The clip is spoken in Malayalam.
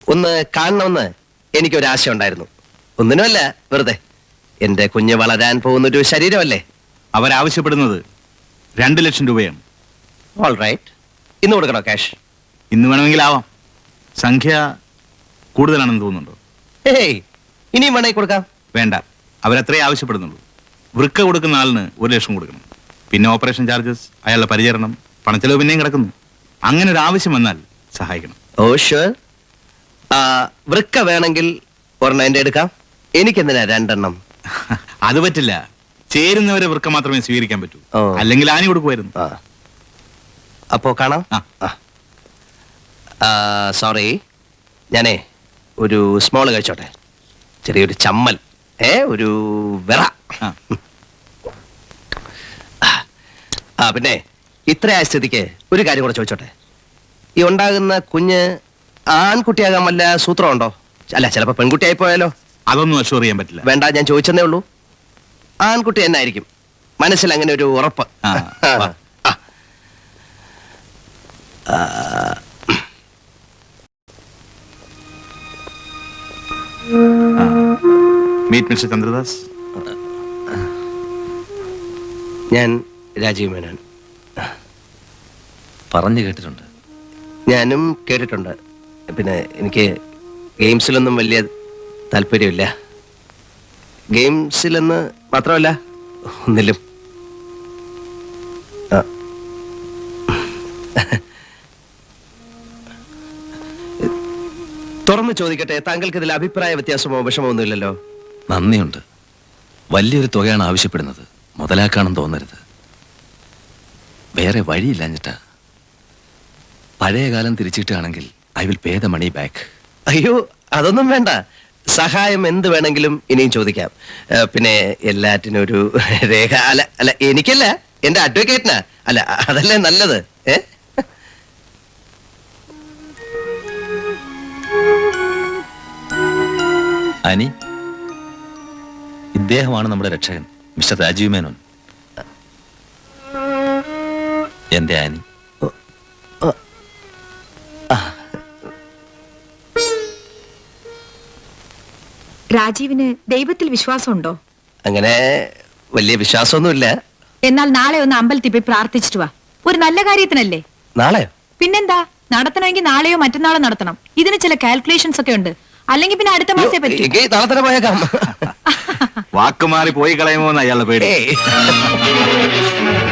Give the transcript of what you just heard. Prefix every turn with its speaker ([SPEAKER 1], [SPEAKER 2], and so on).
[SPEAKER 1] ഒന്ന് കാണണമെന്ന് എനിക്കൊരാശ ഉണ്ടായിരുന്നു. ഒന്നിനുമല്ല, വെറുതെ. എന്റെ കുഞ്ഞ് വളരാൻ പോകുന്നൊരു ശരീരമല്ലേ.
[SPEAKER 2] അവരാവശ്യപ്പെടുന്നത് 2 ലക്ഷം രൂപയാണ്.
[SPEAKER 1] All right. ഇന്ന് കൊടുക്കണോ ക്യാഷ്?
[SPEAKER 2] ഇന്ന് വേണമെങ്കിൽ ആവാം. സംഖ്യ കൂടുതലാണെന്ന് തോന്നുന്നുണ്ടോ?
[SPEAKER 1] ഏയ്, ഇനിയും വേണമെങ്കിൽ കൊടുക്കാം.
[SPEAKER 2] വേണ്ട, അവരത്രേ ആവശ്യപ്പെടുന്നുള്ളൂ. വൃക്ക കൊടുക്കുന്ന ആളിന് 1 ലക്ഷം കൊടുക്കണം. പിന്നെ ഓപ്പറേഷൻ ചാർജസ്, അയാളുടെ പരിചരണം, പണച്ചെലവ് പിന്നെയും കിടക്കുന്നു. അങ്ങനെ ഒരു ആവശ്യം വന്നാൽ സഹായിക്കണം.
[SPEAKER 1] Oh sure. വൃക്ക വേണമെങ്കിൽ ഒരെണ്ണം എന്റെ എടുക്കാം. എനിക്കെന്തിനാ 2 എണ്ണം?
[SPEAKER 2] അത് പറ്റില്ല. ചേരുന്നവരെ വൃക്ക മാത്രമേ സ്വീകരിക്കാൻ പറ്റൂ.
[SPEAKER 1] ഓ.
[SPEAKER 2] അല്ലെങ്കിൽ ആനി കൊടുക്കുമായിരുന്നു.
[SPEAKER 1] അപ്പോ കാണാം. സോറി, ഞാനേ ഒരു സ്മോൾ കഴിച്ചോട്ടെ. ചെറിയൊരു ചമ്മൽ, ഒരു വിറ. പിന്നെ ഇത്രയായ സ്ഥിതിക്ക് ഒരു കാര്യം കൂടെ ചോദിച്ചോട്ടെ. ഈ ഉണ്ടാകുന്ന കുഞ്ഞ് ആൺകുട്ടിയാകാൻ വല്ല സൂത്രമുണ്ടോ? അല്ല, ചിലപ്പോ പെൺകുട്ടിയായി പോയാലോ?
[SPEAKER 2] അതൊന്നും അഷ്വർ ചെയ്യാൻ പറ്റില്ല.
[SPEAKER 1] വേണ്ട, ഞാൻ ചോദിച്ചെന്നേ ഉള്ളൂ. ആൺകുട്ടി തന്നെ ആയിരിക്കും, മനസ്സിൽ അങ്ങനെ ഒരു ഉറപ്പ്.
[SPEAKER 2] Meet mister Chandradas.
[SPEAKER 1] ഞാൻ രാജീവ് മേനോൻ.
[SPEAKER 3] പറഞ്ഞു കേട്ടിട്ടുണ്ട്.
[SPEAKER 1] ഞാനും കേട്ടിട്ടുണ്ട്. പിന്നെ എനിക്ക് ഗെയിംസിലൊന്നും വലിയ താല്പര്യമില്ല. ഗെയിംസിലെന്ന് മാത്രമല്ല, ഒന്നിലും. തുറന്നു ചോദിക്കട്ടെ, താങ്കൾക്ക് ഇതിൽ അഭിപ്രായ വ്യത്യാസമോ വിഷമോ ഒന്നുമില്ലല്ലോ?
[SPEAKER 3] നന്ദിയുണ്ട്. വലിയൊരു തുകയാണ് ആവശ്യപ്പെടുന്നത്. മുതലാക്കാണെന്ന് തോന്നരുത്. വേറെ വഴിയില്ലാഞ്ഞിട്ടാ. പഴയ കാലം തിരിച്ചിട്ടാണെങ്കിൽ I will pay the money back.
[SPEAKER 1] അയ്യോ, അതൊന്നും വേണ്ട. സഹായം എന്ത് വേണമെങ്കിലും ഇനിയും ചോദിക്കാം. പിന്നെ എല്ലാറ്റിനും ഒരു രേഖ. അല്ല എനിക്കല്ല, എന്റെ അഡ്വക്കേറ്റിനാ. അല്ല, അതല്ലേ നല്ലത്.
[SPEAKER 3] അനി, ഇദ്ദേഹമാണ് നമ്മുടെ രക്ഷകൻ, മിസ്റ്റർ രാജീവ് മേനോൻ. എന്റെ ആനി.
[SPEAKER 4] രാജീവിന് ദൈവത്തിൽ വിശ്വാസമുണ്ടോ?
[SPEAKER 1] അങ്ങനെ വലിയ വിശ്വാസമൊന്നുമില്ല.
[SPEAKER 4] എന്നാൽ നാളെ ഒന്ന് അമ്പലത്തിൽ പോയി പ്രാർത്ഥിച്ചിട്ട് വാ. ഒരു നല്ല കാര്യത്തിനല്ലേ?
[SPEAKER 1] നാളെയോ?
[SPEAKER 4] പിന്നെന്താ, നടത്തണമെങ്കിൽ നാളെയോ മറ്റന്നാളോ നടത്തണം. ഇതിന് ചില കാൽക്കുലേഷൻസ് ഒക്കെ ഉണ്ട്. അല്ലെങ്കിൽ പിന്നെ അടുത്ത മാസേ പറ്റും.
[SPEAKER 1] നാളെ തന്നെ പോയേക്കാം.
[SPEAKER 2] വാക്കുമാറി പോയി കളയുമോ എന്ന് അയാളുടെ പേടി.